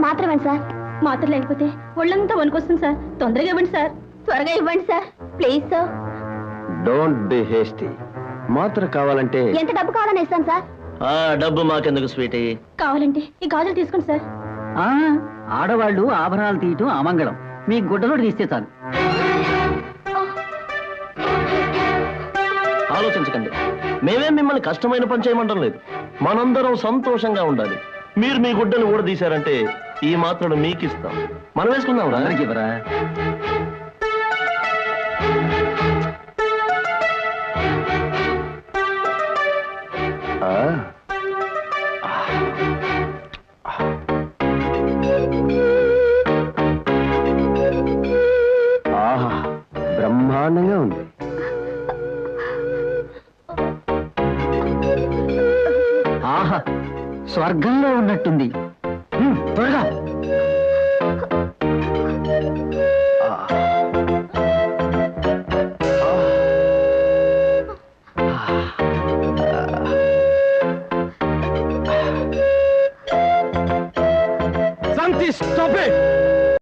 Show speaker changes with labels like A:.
A: మాత్రం ఇవ్వండి సార్. మాత్రం లేకపోతే ఒళ్ళంతా వణుకొస్తుంది సార్. తొందరగా ఇవ్వండి సార్. త్వరగా ఇవ్వండి sir, please sir.
B: Don't be hasty. మాత్ర కావాలంటే
A: ఎంత డబ్బు కావాలని ఇస్తాను సార్.
B: డబ్బు మాకెందుకు స్వీటీ.
A: కావాలంటే ఈ గాజులు తీసుకోండి సార్.
C: ఆడవాళ్ళు ఆభరణాలు తీయటం అమంగళం. మీ గుడ్డలో తీస్తే చాలు.
B: ఆలోచించకండి, మేమేం మిమ్మల్ని కష్టమైన పని చేయమంటం లేదు. మనందరం సంతోషంగా ఉండాలి. మీరు మీ గుడ్డలు ఊడదీశారంటే ఈ మాత్రం మీకు ఇస్తాం. మనం వేసుకుందాం.
C: అందరికి ఇవ్వరా?
B: ఆహా, బ్రహ్మాండంగా ఉంది.
C: ఆహా, స్వర్గంలో ఉన్నట్టుంది. త్వరగా.
B: Santi, stop it!